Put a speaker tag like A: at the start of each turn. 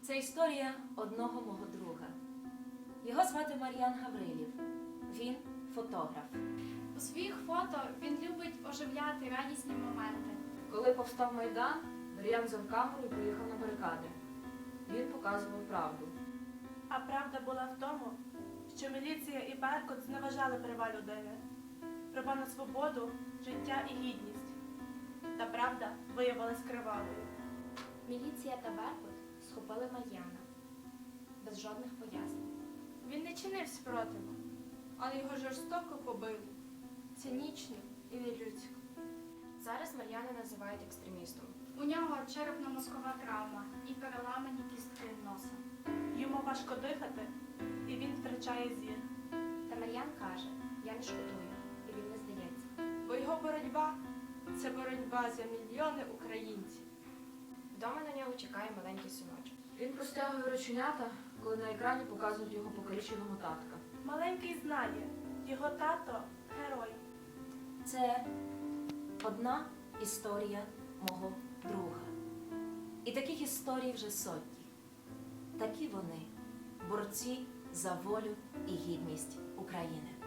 A: Це історія одного мого друга. Його звати Мар'ян Гаврилів. Він фотограф.
B: У своїх фото він любить оживляти радісні моменти.
A: Коли повстав Майдан, Мар'ян взяв камеру і поїхав на барикади. Він показував правду.
C: А правда була в тому, що міліція і Беркут зневажали права людини, права на свободу, життя і гідність. Та правда виявилась кривавою.
D: Міліція та Беркут схопили Мар'яна без жодних пояснень.
B: Він не чинив спротиву, але його жорстоко побили. Цинічно і нелюдсько.
D: Зараз Мар'яна називають екстремістом.
B: У нього черепно-мозкова травма і переламані кістки носа.
C: Йому важко дихати, і він втрачає зір.
D: Та Мар'ян каже, я не шкодую, і він не здається.
B: Бо його боротьба – це боротьба за мільйони українців.
D: Вдома на нього чекає маленький синочок.
A: Він простягує рученята, коли на екрані показують його покаліченого татка.
C: Маленький знає, його тато – герой.
A: Це одна історія мого друга. І таких історій вже сотні. Такі вони – борці за волю і гідність України.